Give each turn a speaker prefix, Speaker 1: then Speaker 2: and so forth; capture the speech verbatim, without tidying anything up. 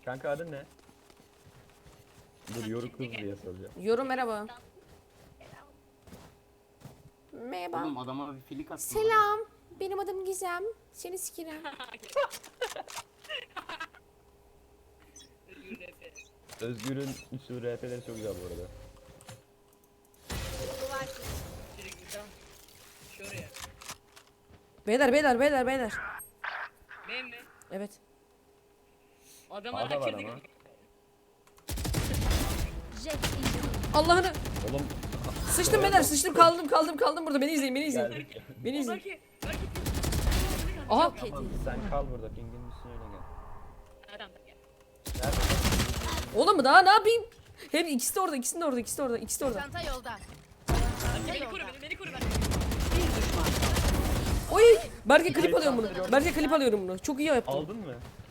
Speaker 1: Kanka adın ne? Dur yoru kız diye soracağım.
Speaker 2: Yorum merhaba. Merhaba.
Speaker 3: Oğlum adama bir filik attım.
Speaker 2: Selam. Benim adım Gizem. Seni sikirem.
Speaker 1: Özgür'ün üstü R P'leri çok güzel bu arada.
Speaker 4: Şuraya.
Speaker 2: Beyler beyler beyler beyler.
Speaker 4: Benim mi?
Speaker 2: Evet.
Speaker 4: Adamlar
Speaker 1: A'da var
Speaker 4: herkes
Speaker 1: ama.
Speaker 2: Allah'ını.
Speaker 1: Oğlum
Speaker 2: Sıçtım beyler sıçtım kaldım kaldım kaldım burada. Beni izleyin beni izleyin.
Speaker 1: geldik.
Speaker 2: Beni izleyin.
Speaker 4: Belki, belki.
Speaker 2: Aha.
Speaker 1: Tamam sen kal burada. Pingin üstüne öyle gel.
Speaker 4: Adam da gel.
Speaker 1: Nerede?
Speaker 2: Oğlum daha ne yapayım? Hem ikisi de orada ikisi de orada ikisi de orada ikisi de orada.
Speaker 5: Çanta yolda.
Speaker 4: Beni koru beni, beni koru beni.
Speaker 2: Oy! Berke klip alıyorum bunu. Berke klip alıyorum bunu. Çok iyi yaptın.
Speaker 1: Aldın mı?